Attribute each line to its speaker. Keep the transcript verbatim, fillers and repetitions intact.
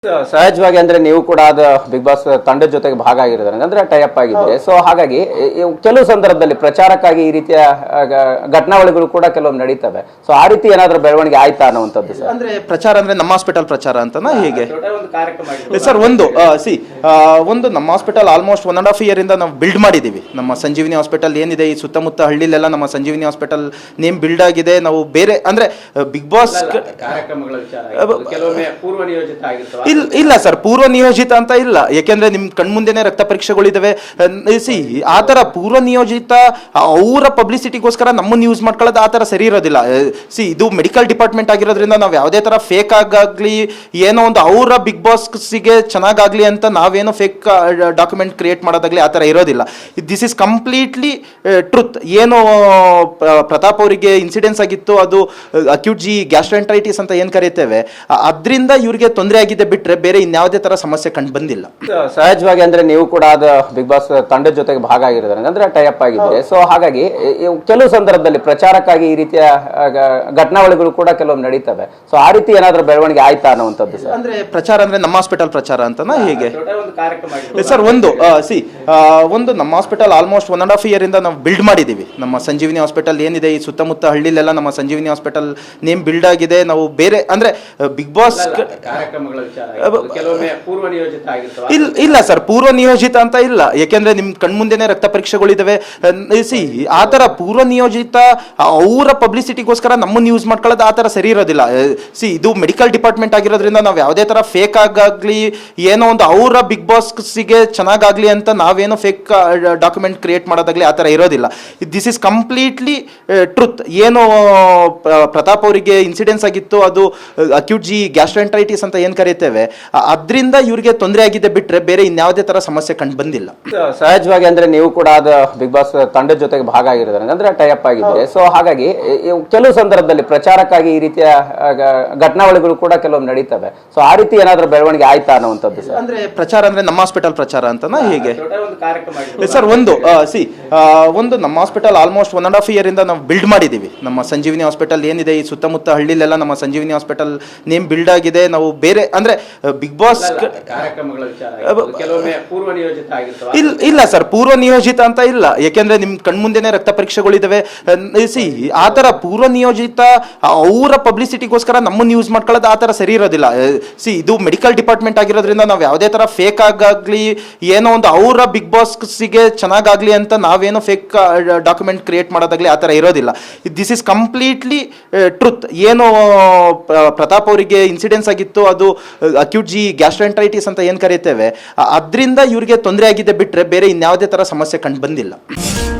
Speaker 1: ಸಹಜವಾಗಿ ಅಂದ್ರೆ ನೀವು ಕೂಡ ಅದು ಬಿಗ್ ಬಾಸ್ ತಂಡದ ಜೊತೆಗೆ ಭಾಗ ಆಗಿರೋದ್ರೆ ಅಂದ್ರೆ ಟೈ ಅಪ್ ಆಗಿದೆ. ಸೊ ಹಾಗಾಗಿ ಇ- ಕೆಲವು ಸಂದರ್ಭದಲ್ಲಿ ಪ್ರಚಾರಕ್ಕಾಗಿ ಈ ರೀತಿಯ ಆ, ಗ- ಘಟನಾವಳಿಗಳು ಕೂಡ ಕೆಲವೊಮ್ಮೆ ನಡೀತವೆ. ಸೊ ಆ ರೀತಿ ಏನಾದ್ರೂ ಬೆಳವಣಿಗೆ ಆಯ್ತಾ ಅನ್ನುವಂಥದ್ದು ಸರ್?
Speaker 2: ಅಂದ್ರೆ ಪ್ರಚಾರ ಅಂದ್ರೆ ನಮ್ಮ ಹಾಸ್ಪಿಟಲ್ ಪ್ರಚಾರ ಅಂತನಾ ಹೇಗೆ
Speaker 1: ಒಂದು ಕಾರ್ಯಕ್ರಮ
Speaker 2: ಸರ್? ಒಂದು ಸಿ ಒಂದು ನಮ್ಮ hospital almost one and half year ಇಂದ ನಾವು ಬಿಲ್ಡ್ ಮಾಡಿದೀವಿ. ನಮ್ಮ ಸಂಜೀವಿನಿ ಹಾಸ್ಪಿಟಲ್ ಏನಿದೆ ಈ ಸುತ್ತಮುತ್ತ ಹಳ್ಳಿಲೆಲ್ಲ ನಮ್ಮ ಸಂಜೀವಿನಿ ಹಾಸ್ಪಿಟಲ್ ನೇಮ್ ಬಿಲ್ಡ್ ಆಗಿದೆ. ನಾವು ಬೇರೆ ಅಂದ್ರೆ ಬಿಗ್ ಬಾಸ್
Speaker 1: ಕಾರ್ಯಕ್ರಮಗಳ ವಿಚಾರ ಕೆಲವೊಮ್ಮೆ ಪೂರ್ವ ನಿಯೋಜಿತ ಆಗಿರ್ತವೆ.
Speaker 2: ಇಲ್ಲ ಇಲ್ಲ ಸರ್, ಪೂರ್ವ ನಿಯೋಜಿತ ಅಂತ ಇಲ್ಲ. ಯಾಕೆಂದ್ರೆ ನಿಮ್ ಕಣ್ಮುಂದೆನೆ ರಕ್ತ ಪರೀಕ್ಷೆಗಳಿದಾವೆ. ಸಿ ಆ ತರ ಪೂರ್ವ ನಿಯೋಜಿತ ಅವರ ಪಬ್ಲಿಸಿಟಿಗೋಸ್ಕರ ನಮ್ಮನ್ನು ಯೂಸ್ ಮಾಡ್ಕೊಳ್ಳೋದು ಆ ತರ ಸರಿ ಇರೋದಿಲ್ಲ. ಸಿ ಇದು ಮೆಡಿಕಲ್ ಡಿಪಾರ್ಟ್ಮೆಂಟ್ ಆಗಿರೋದ್ರಿಂದ ನಾವು ಯಾವುದೇ ತರ ಫೇಕ್ ಆಗಾಗ್ಲಿ ಏನೋ ಒಂದು ಅವರ ಬಿಗ್ ಬಾಸ್ಗೆ ಚೆನ್ನಾಗಾಗ್ಲಿ ಅಂತ ನಾವೇನೋ ಫೇಕ್ ಡಾಕ್ಯುಮೆಂಟ್ ಕ್ರಿಯೇಟ್ ಮಾಡೋದಾಗ್ಲಿ ಆ ತರ ಇರೋದಿಲ್ಲ. This is completely truth. ಏನು ಪ್ರ- ಪ್ರತಾಪ್ ಅವರಿಗೆ ಇನ್ಸಿಡೆನ್ಸ್ ಆಗಿತ್ತು, ಅದು ಅಕ್ಯೂಟ್ ಜಿ ಗ್ಯಾಸ್ಟ್ರೆಂಟ್ರೈಟಿಸ್ ಅಂತ ಏನ್ ಕರೀತೇವೆ, ಅದರಿಂದ ಇವ್ರಿಗೆ ತೊಂದರೆ ಆಗಿದೆ ಬಿಟ್ರೆ ಬೇರೆ ಇನ್ಯಾವುದೇ ತರ ಸಮಸ್ಯೆ ಕಂಡು ಬಂದಿಲ್ಲ.
Speaker 1: ಸಹಜವಾಗಿ ಅಂದ್ರೆ ನೀವು ಕೂಡ ಅದು ಬಿಗ್ ಬಾಸ್ ತಂಡದ ಜೊತೆಗೆ ಭಾಗ ಆಗಿರೋದ್ರೆ ಅಂದ್ರೆ ಟೈ ಅಪ್ ಆಗಿದೆ. ಸೊ ಹಾಗಾಗಿ ಇ- ಕೆಲವು ಸಂದರ್ಭದಲ್ಲಿ ಪ್ರಚಾರಕ್ಕಾಗಿ ಈ ರೀತಿಯ ಆ, ಗ- ಘಟನಾವಳಿಗಳು ಕೂಡ ಕೆಲವೊಮ್ಮೆ ನಡೀತವೆ. ಸೊ ಆ ರೀತಿ ಏನಾದ್ರೂ ಬೆಳವಣಿಗೆ ಆಯ್ತಾ ಅನ್ನುವಂಥದ್ದು ಸರ್?
Speaker 2: ಅಂದ್ರೆ ಪ್ರಚಾರ ಅಂದ್ರೆ ನಮ್ಮ ಹಾಸ್ಪಿಟಲ್ ಪ್ರಚಾರ ಅಂತನಾ ಹೇಗೆ
Speaker 1: ಒಂದು ಕಾರ್ಯಕ್ರಮ
Speaker 2: ಸರ್? ಒಂದು ಸಿ ಒಂದು ನಮ್ಮ hospital almost one and half year ಇಂದ ನಾವು ಬಿಲ್ಡ್ ಮಾಡಿದೀವಿ. ನಮ್ಮ ಸಂಜೀವಿನಿ ಹಾಸ್ಪಿಟಲ್ ಏನಿದೆ ಈ ಸುತ್ತಮುತ್ತ ಹಳ್ಳಿಲೆಲ್ಲ ನಮ್ಮ ಸಂಜೀವಿನಿ ಹಾಸ್ಪಿಟಲ್ ನೇಮ್ ಬಿಲ್ಡ್ ಆಗಿದೆ. ನಾವು ಬೇರೆ ಅಂದ್ರೆ ಬಿಗ್ ಬಾಸ್
Speaker 1: ಕಾರ್ಯಕ್ರಮಗಳ ವಿಚಾರ ಕೆಲವೊಮ್ಮೆ ಪೂರ್ವ ನಿಯೋಜಿತ ಆಗಿರ್ತವೆ.
Speaker 2: ಇಲ್ಲ ಇಲ್ಲ ಸರ್, ಪೂರ್ವ ನಿಯೋಜಿತ ಅಂತ ಇಲ್ಲ. ಯಾಕೆಂದ್ರೆ ನಿಮ್ ಕಣ್ಮುಂದೆನೆ ರಕ್ತ ಪರೀಕ್ಷೆಗಳಿದಾವೆ. ಸಿ ಆ ತರ ಪೂರ್ವ ನಿಯೋಜಿತ ಅವರ ಪಬ್ಲಿಸಿಟಿಗೋಸ್ಕರ ನಮ್ಮನ್ನು ಯೂಸ್ ಮಾಡ್ಕೊಳ್ಳೋದು ಆ ತರ ಸರಿ ಇರೋದಿಲ್ಲ. ಸಿ ಇದು ಮೆಡಿಕಲ್ ಡಿಪಾರ್ಟ್ಮೆಂಟ್ ಆಗಿರೋದ್ರಿಂದ ನಾವು ಯಾವುದೇ ತರ ಫೇಕ್ ಆಗಾಗ್ಲಿ ಏನೋ ಒಂದು ಅವರ ಬಿಗ್ ಬಾಸ್ಗೆ ಚೆನ್ನಾಗಾಗ್ಲಿ ಅಂತ ನಾವೇನೋ ಫೇಕ್ ಡಾಕ್ಯುಮೆಂಟ್ ಕ್ರಿಯೇಟ್ ಮಾಡೋದಾಗ್ಲಿ ಆ ತರ ಇರೋದಿಲ್ಲ. This is completely truth. ಏನು ಪ್ರ- ಪ್ರತಾಪ್ ಅವರಿಗೆ ಇನ್ಸಿಡೆನ್ಸ್ ಆಗಿತ್ತು, ಅದು ಅಕ್ಯೂಟ್ ಜಿ ಗ್ಯಾಸ್ಟ್ರೆಂಟ್ರೈಟಿಸ್ ಅಂತ ಏನ್ ಕರೀತೇವೆ, ಅದರಿಂದ ಇವ್ರಿಗೆ ತೊಂದರೆ ಆಗಿದೆ ಬಿಟ್ರೆ ಬೇರೆ ಇನ್ಯಾವುದೇ ತರ ಸಮಸ್ಯೆ ಕಂಡು ಬಂದಿಲ್ಲ.
Speaker 1: ಸಹಜವಾಗಿ ಅಂದ್ರೆ ನೀವು ಕೂಡ ಅದು ಬಿಗ್ ಬಾಸ್ ತಂಡದ ಜೊತೆಗೆ ಭಾಗ ಆಗಿರೋದ್ರೆ ಅಂದ್ರೆ ಟೈ ಅಪ್ ಆಗಿದೆ. ಸೊ ಹಾಗಾಗಿ ಇ- ಕೆಲವು ಸಂದರ್ಭದಲ್ಲಿ ಪ್ರಚಾರಕ್ಕಾಗಿ ಈ ರೀತಿಯ ಆ, ಗ- ಘಟನಾವಳಿಗಳು ಕೂಡ ಕೆಲವೊಮ್ಮೆ ನಡೀತವೆ. ಸೊ ಆ ರೀತಿ ಏನಾದ್ರೂ ಬೆಳವಣಿಗೆ ಆಯ್ತಾ ಅನ್ನುವಂಥದ್ದು ಸರ್?
Speaker 2: ಅಂದ್ರೆ ಪ್ರಚಾರ ಅಂದ್ರೆ ನಮ್ಮ ಹಾಸ್ಪಿಟಲ್ ಪ್ರಚಾರ ಅಂತನಾ ಹೇಗೆ
Speaker 1: ಒಂದು ಕಾರ್ಯಕ್ರಮ
Speaker 2: ಸರ್? ಒಂದು ಸಿ ಒಂದು ನಮ್ಮ hospital almost one and half year ಇಂದ ನಾವು ಬಿಲ್ಡ್ ಮಾಡಿದೀವಿ. ನಮ್ಮ ಸಂಜೀವಿನಿ ಹಾಸ್ಪಿಟಲ್ ಏನಿದೆ ಈ ಸುತ್ತಮುತ್ತ ಹಳ್ಳಿಲೆಲ್ಲ ನಮ್ಮ ಸಂಜೀವಿನಿ ಹಾಸ್ಪಿಟಲ್ ನೇಮ್ ಬಿಲ್ಡ್ ಆಗಿದೆ. ನಾವು ಬೇರೆ ಅಂದ್ರೆ ಬಿಗ್ ಬಾಸ್
Speaker 1: ಕಾರ್ಯಕ್ರಮಗಳ ವಿಚಾರ ಕೆಲವೊಮ್ಮೆ ಪೂರ್ವ ನಿಯೋಜಿತ ಆಗಿರ್ತವೆ.
Speaker 2: ಇಲ್ಲ ಇಲ್ಲ ಸರ್, ಪೂರ್ವ ನಿಯೋಜಿತ ಅಂತ ಇಲ್ಲ. ಯಾಕೆಂದ್ರೆ ನಿಮ್ ಕಣ್ಮುಂದೆನೆ ರಕ್ತ ಪರೀಕ್ಷೆಗಳಿದಾವೆ. ಸಿ ಆ ತರ ಪೂರ್ವ ನಿಯೋಜಿತ ಅವರ ಪಬ್ಲಿಸಿಟಿಗೋಸ್ಕರ ನಮ್ಮನ್ನು ಯೂಸ್ ಮಾಡ್ಕೊಳ್ಳೋದು ಆ ತರ ಸರಿ ಇರೋದಿಲ್ಲ. ಸಿ ಇದು ಮೆಡಿಕಲ್ ಡಿಪಾರ್ಟ್ಮೆಂಟ್ ಆಗಿರೋದ್ರಿಂದ ನಾವು ಯಾವುದೇ ತರ ಫೇಕ್ ಆಗಾಗ್ಲಿ ಏನೋ ಒಂದು ಅವರ ಬಿಗ್ ಬಾಸ್ಗೆ ಚೆನ್ನಾಗಾಗ್ಲಿ ಅಂತ ನಾವೇನೋ ಫೇಕ್ ಡಾಕ್ಯುಮೆಂಟ್ ಕ್ರಿಯೇಟ್ ಮಾಡೋದಾಗ್ಲಿ ಆ ತರ ಇರೋದಿಲ್ಲ. This is completely truth. ಏನು ಪ್ರ- ಪ್ರತಾಪ್ ಅವರಿಗೆ ಇನ್ಸಿಡೆನ್ಸ್ ಆಗಿತ್ತು, ಅದು ಅಕ್ಯೂಟ್ ಜಿ ಗ್ಯಾಸ್ಟ್ರೆಂಟ್ರೈಟಿಸ್ ಅಂತ ಏನ್ ಕರೀತೇವೆ, ಅದರಿಂದ ಇವ್ರಿಗೆ ತೊಂದರೆ ಆಗಿದೆ ಬಿಟ್ರೆ ಬೇರೆ ಇನ್ಯಾವುದೇ ತರ ಸಮಸ್ಯೆ ಕಂಡು ಬಂದಿಲ್ಲ.